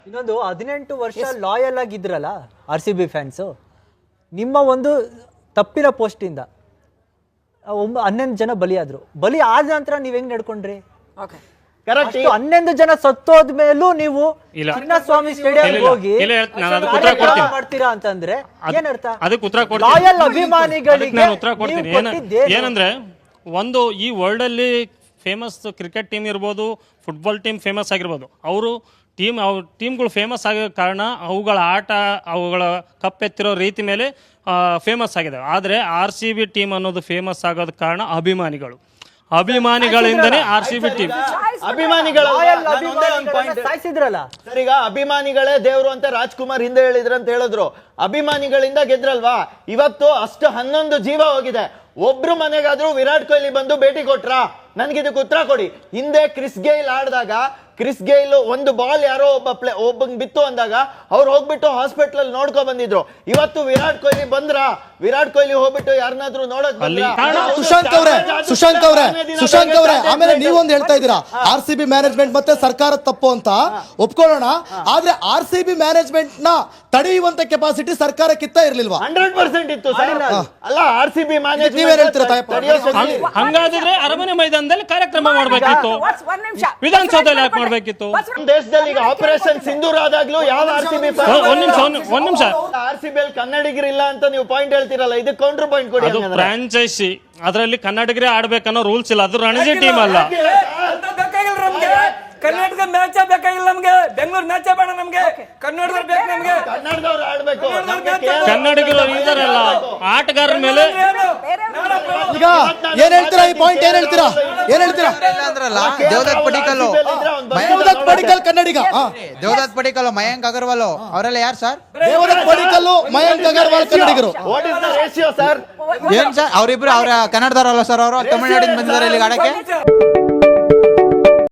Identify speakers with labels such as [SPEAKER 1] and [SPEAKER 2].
[SPEAKER 1] ಇನ್ನೊಂದು 18 ವರ್ಷ loyal ಆಗಿದ್ರಲ್ಲ RCB fans, ನಿಮ್ಮ ಒಂದು ತಪ್ಪಿನ ಪೋಸ್ಟಿಂದ 11 ಜನ ಬಲಿ ಆದ ನಂತರ ನೀವ್ ಹೆಂಗ್ ನಡ್ಕೊಂಡ್ರಿ? ಕರೆಕ್ಟ್. 11 ಜನ ಸತ್ತೋದ್ಮೇಲೂ ನೀವು ಚಿನ್ನಸ್ವಾಮಿ ಸ್ಟೇಡಿಯಂ ಹೋಗಿ ಮಾಡ್ತೀರಾ ಅಂತಂದ್ರೆ ಏನರ್ಥ?
[SPEAKER 2] ಅದಕ್ಕೆ ಉತ್ತರ
[SPEAKER 1] ಲಾಯಲ್ ಅಭಿಮಾನಿಗಳಿಗೆ
[SPEAKER 2] ಉತ್ತರ ಕೊಡ್ತೀನಿ. ಏನಂದ್ರೆ ಒಂದು ಈ ವರ್ಲ್ಡ್ ಅಲ್ಲಿ ಫೇಮಸ್ ಕ್ರಿಕೆಟ್ ಟೀಮ್ ಇರ್ಬೋದು, ಫುಟ್ಬಾಲ್ ಟೀಮ್ ಫೇಮಸ್ ಆಗಿರ್ಬೋದು, ಅವರು ಟೀಮ್ಗಳು ಫೇಮಸ್ ಆಗೋ ಕಾರಣ ಅವುಗಳ ಆಟ, ಅವುಗಳ ಕಪ್ಪೆತ್ತಿರೋ ರೀತಿ ಮೇಲೆ ಫೇಮಸ್ ಆಗಿದೆ. ಆದರೆ RCB ಟೀಮ್ ಅನ್ನೋದು ಫೇಮಸ್ ಆಗೋದ ಕಾರಣ ಅಭಿಮಾನಿಗಳಿಂದನೇ RCB ಟೀಮ್.
[SPEAKER 1] ಸಾಯಿಸಿದ್ರಲ್ಲ
[SPEAKER 3] ಸರ್, ಈಗ ಅಭಿಮಾನಿಗಳೇ ದೇವ್ರು ಅಂತ ರಾಜ್ಕುಮಾರ್ ಹಿಂದೆ ಹೇಳಿದ್ರು ಅಂತ ಹೇಳಿದ್ರು. ಅಭಿಮಾನಿಗಳಿಂದ ಗೆದ್ರಲ್ವಾ? ಇವತ್ತು ಅಷ್ಟು 11 ಜೀವ ಹೋಗಿದೆ. ಒಬ್ರು ಮನೆಗಾದ್ರೂ ವಿರಾಟ್ ಕೊಹ್ಲಿ ಬಂದು ಭೇಟಿ ಕೊಟ್ರಾ? ನನ್ಗಿದಕ್ಕೆ ಉತ್ತರ ಕೊಡಿ. ಹಿಂದೆ ಕ್ರಿಸ್ ಗೇಲ್ ಆಡಿದಾಗ ಕ್ರಿಸ್ ಗೇಲ್ ಒಂದು ಬಾಲ್ ಯಾರೋ ಒಬ್ಬಂಗ್ ಬಿತ್ತು ಅಂದಾಗ ಅವ್ರು ಹೋಗ್ಬಿಟ್ಟು ಹಾಸ್ಪಿಟಲ್ ನೋಡ್ಕೊ ಬಂದಿದ್ರು. ಇವತ್ತು ವಿರಾಟ್ ಕೊಹ್ಲಿ ವಿರಾಟ್ ಕೊಹ್ಲಿ ಹೋಗ್ಬಿಟ್ಟು ಯಾರನ್ನಾದ್ರೂ ನೋಡಕ್
[SPEAKER 4] ಸುಶಾಂಕ್ ಅವರೇ ಆಮೇಲೆ ನೀವೊಂದು ಹೇಳ್ತಾ ಇದ್ದೀರಾ RCB ಮ್ಯಾನೇಜ್ಮೆಂಟ್ ಮತ್ತೆ ಸರ್ಕಾರ ತಪ್ಪು ಅಂತ ಒಪ್ಕೊಳ್ಳೋಣ. ಆದ್ರೆ RCB ಮ್ಯಾನೇಜ್ಮೆಂಟ್ ನ ತಡೆಯುವಂತ ಕೆಪಾಸಿಟಿ ಸರ್ಕಾರಕ್ಕಿಂತ ಇರ್ಲಿಲ್ವಾ?
[SPEAKER 3] 100% ಇತ್ತು ಅಲ್ಲ. RCB ಮ್ಯಾನೇಜ್ಮೆಂಟ್
[SPEAKER 4] ನೀವೇನ್ ಹೇಳ್ತೀರಾ?
[SPEAKER 2] ಹಂಗಾದ್ರೆ ಅರಮನೆ ಮೈದಾನದಲ್ಲಿ ಕಾರ್ಯಕ್ರಮ ಮಾಡಬೇಕಿತ್ತು, ವಿಧಾನಸೌಧದಲ್ಲಿ ಯಾಕೆ ಮಾಡಬೇಕಿತ್ತು?
[SPEAKER 3] ದೇಶದಲ್ಲಿ ಈಗ ಆಪರೇಷನ್ ಸಿಂಧೂರ್ ಆದಾಗ್ಲೂ ಯಾವ RCB
[SPEAKER 2] ಒಂದ್ ನಿಮಿಷ
[SPEAKER 3] RCB ಅಲ್ಲಿ ಕನ್ನಡಿಗರಿಲ್ಲ ಅಂತ ನೀವು ಪಾಯಿಂಟ್ ಹೇಳ್ತಿರಲ್ಲ, ಇದಕ್ಕೆ ಕೌಂಟರ್ ಪಾಯಿಂಟ್ ಕೊಡಿ.
[SPEAKER 2] ಅದು ಫ್ರಾಂಚೈಸಿ, ಅದರಲ್ಲಿ ಕನ್ನಡಿಗರೇ ಆಡ್ಬೇಕನ್ನೋ ರೂಲ್ಸ್ ಇಲ್ಲ. ಅದು ರಣಜಿ ಟೀಮ್ ಅಲ್ಲ.
[SPEAKER 5] ಕರ್ನಾಟಕ ಮ್ಯಾಚ್ ಬೇಕಾಗಿಲ್ಲ ನಮ್ಗೆ, ಬೆಂಗಳೂರು ಮ್ಯಾಚ್ ಬೇಡ ನಮ್ಗೆ, ಕನ್ನಡದವ್ರು ಬೇಕು ನಮ್ಗೆ.
[SPEAKER 3] ಕನ್ನಡದವ್ರು ಆಡ್ಬೇಕು.
[SPEAKER 2] ಕನ್ನಡಿಗರು ಇದಾರಲ್ಲ ಆಟಗಾರರ ಮೇಲೆ
[SPEAKER 4] ಈಗ ಏನ್ ಹೇಳ್ತೀರಾ? ಈ ಪಾಯಿಂಟ್ ಏನ್ ಹೇಳ್ತೀರಾ?
[SPEAKER 6] ದೇವದತ್ ಪಡಿಕಲ್ ಕನ್ನಡಿಗ, ದೇವದತ್ ಪಡಿಕಲ್, ಮಯಾಂಕ್ ಅಗರ್ವಾಲ್ ಅವರೆಲ್ಲ ಯಾರು ಸರ್?
[SPEAKER 4] ದೇವದತ್ ಪಡಿಕಲ್, ಮಯಾಂಕ್ ಅಗರ್ವಾಲ್ ಕನ್ನಡಿಗರು.
[SPEAKER 3] What is the ratio sir?
[SPEAKER 6] ಏನ್ ಸರ್ ಅವರಿಬ್ರು? ಅವ್ರ ಕನ್ನಡದವರಲ್ಲ ಸರ್? ಅವರು ತಮಿಳುನಾಡಿಂದ ಬಂದಿದ್ದಾರೆ ಇಲ್ಲಿಗೆ ಆಡಕ್ಕೆ.